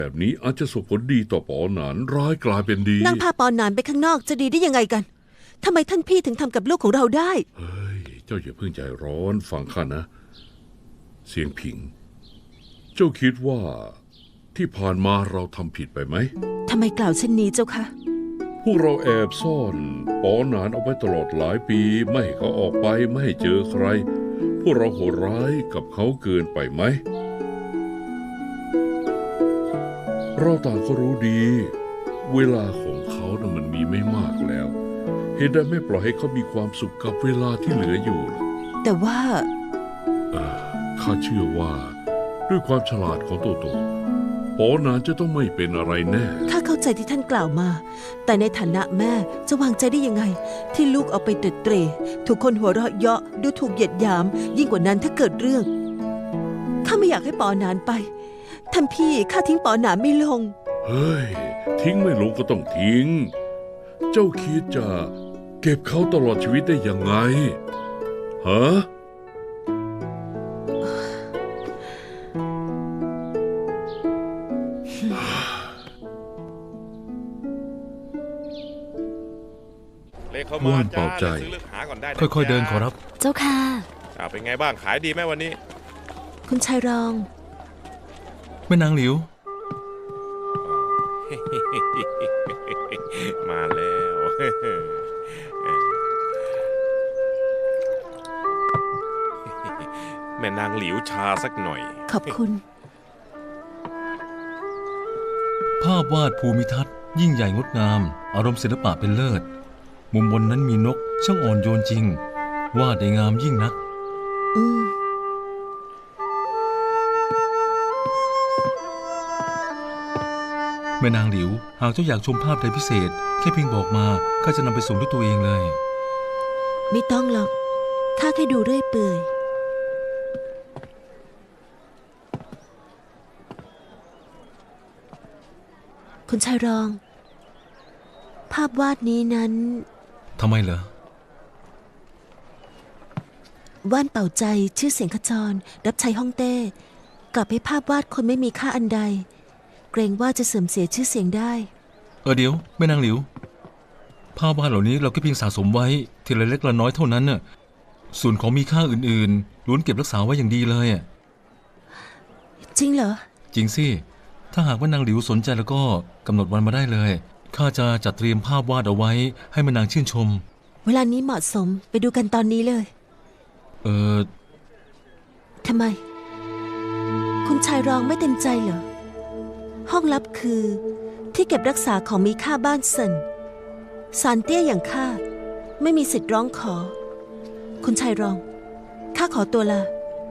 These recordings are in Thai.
แบบนี้อาจจะส่งผลดีต่อปอหนานร้ายกลายเป็นดีนั่งพาปอนหนานไปข้างนอกจะดีได้ยังไงกันทำไมท่านพี่ถึงทำกับลูกของเราได้เฮ้ยเจ้าอย่าเพิ่งใจร้อนฟังข้านะ เสียงผิง เจ้าคิดว่าที่ผ่านมาเราทำผิดไปไหมทำไมกล่าวเช่นนี้เจ้าคะพวกเราแอบซ่อนปอหนานเอาไว้ตลอดหลายปีไม่ให้เขาออกไปไม่ให้เจอใครพวกเราโหดร้ายกับเขาเกินไปไหมเราต่างก็รู้ดีเวลาของเขานะ่ะมันมีไม่มากแล้วเหตุใดไม่ปล่อยให้เขามีความสุขกับเวลาที่เหลืออยู่ล่ะแต่ว่าข้าเชื่อว่าด้วยความฉลาดของโตโตปอหนานจะต้องไม่เป็นอะไรแน่ข้าเข้าใจที่ท่านกล่าวมาแต่ในฐานะแม่จะวางใจได้ยังไงที่ลูกเอาไปเตะเตร่ถูกคนหัวเราะเยาะดูถูกเหยียดหยามยิ่งกว่านั้นถ้าเกิดเรื่องข้าไม่อยากให้ปอหนานไปท่านพี่ข้าทิ้งปอหนานไม่ลงเฮ้ยทิ้งไม่ลงก็ต้องทิ้งเจ้าคิดจะเก็บเขาตลอดชีวิตได้ยังไงฮะว่านเป่าใจค่อยๆเดินขอรับเจ้าค่ะเป็นไงบ้างขายดีไหมวันนี้คุณชายรองแม่นางหลิวมาแล้วแม่นางหลิวชาสักหน่อยขอบคุณภาพวาดภูมิทัศน์ยิ่งใหญ่งดงามอารมณ์ศิลปะเป็นเลิศมุมบนนั้นมีนกช่างอ่อนโยนจริงวาดได้งามยิ่งนักแม่นางหลิวหากเจ้าอยากชมภาพใดพิเศษแค่เพียงบอกมาข้าจะนำไปส่งด้วยตัวเองเลยไม่ต้องหรอกข้าแค่ดูเรื่อยเปื่อยคุณชายรองภาพวาดนี้นั้นทำไมเหรอว่านเป่าใจชื่อเสียงขจรรับใช้ฮ่องเต้กลับให้ภาพวาดคนไม่มีค่าอันใดเกรงว่าจะเสื่อมเสียชื่อเสียงได้เดี๋ยวแม่นางหลิวภาพวาดเหล่านี้เราก็เพียงสะสมไว้ทีละเล็กละน้อยเท่านั้นน่ะส่วนของมีค่าอื่นๆล้วนเก็บรักษาไว้อย่างดีเลยจริงเหรอจริงสิถ้าหากว่านางหลิวสนใจแล้วก็กำหนดวันมาได้เลยข้าจะจัดเตรียมภาพวาดเอาไว้ให้แม่นางชื่นชมเวลานี้เหมาะสมไปดูกันตอนนี้เลยทำไมคุณชายรองไม่เต็มใจเหรอห้องลับคือที่เก็บรักษาของมีค่าบ้านเซินสารเตี้ยอย่างข้าไม่มีสิทธิ์ร้องขอคุณชายรองข้าขอตัวลา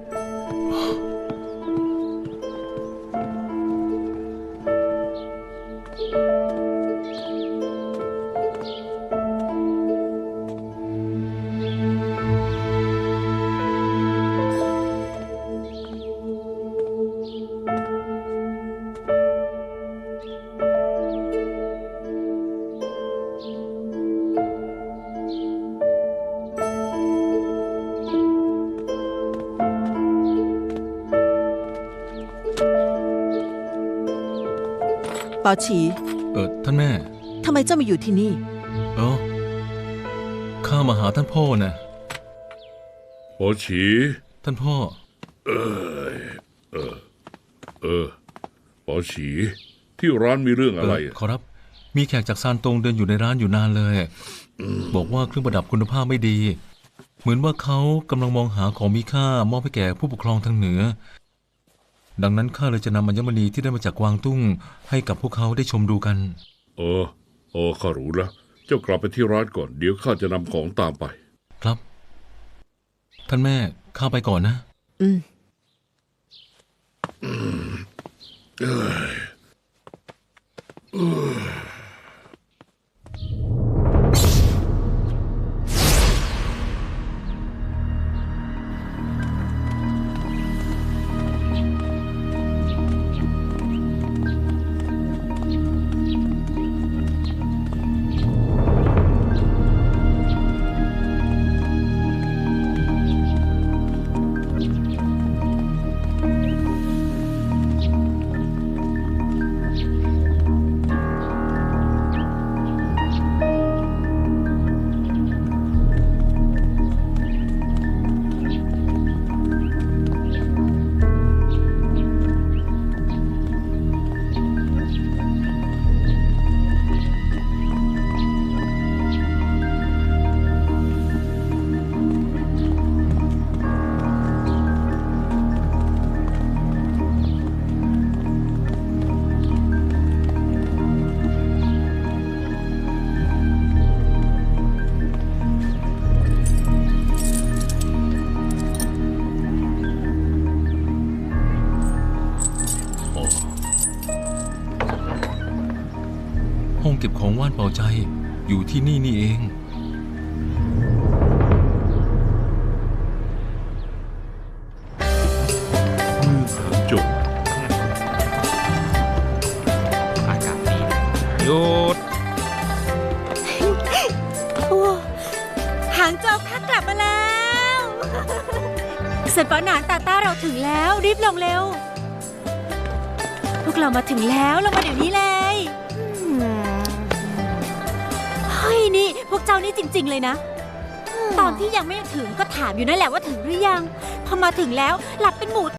เปาฉีท่านแม่ทำไมเจ้ามาอยู่ที่นี่ข้ามาหาท่านพ่อนะเปาฉีท่านพ่อเปาฉีที่ร้านมีเรื่องอะไรขอรับมีแขกจากซานตงเดินอยู่ในร้านอยู่นานเลยบอกว่าเครื่องประดับคุณภาพไม่ดีเหมือนว่าเขากำลังมองหาของมีค่ามอบให้แก่ผู้ปกครองทางเหนือดังนั้นข้าเลยจะนำอัญมณีที่ได้มาจากกวางตุ้งให้กับพวกเขาได้ชมดูกันข้ารู้แล้วเจ้ากลับไปที่ร้านก่อนเดี๋ยวข้าจะนำของตามไปครับท่านแม่ข้าไปก่อนนะห้องเก็บของว่านเป่าใจอยู่ที่นี่นี่เองเมืองหางจงอากาศดีนะหยุดหางโจวข้ากลับมาแล้วเสร็จปอนานตาต้าเราถึงแล้วรีบลงเร็ว พวกเรามาถึงแล้วลงมาเดี๋ยวนี้เลยเฮ้ยนี่พวกเจ้านี่จริง ๆเลยนะ ตอนที่ยังไม่ถึงก็ถามอยู่นั่นแหละว่าถึงหรือยัง พอมาถึงแล้วหลับเป็นหมู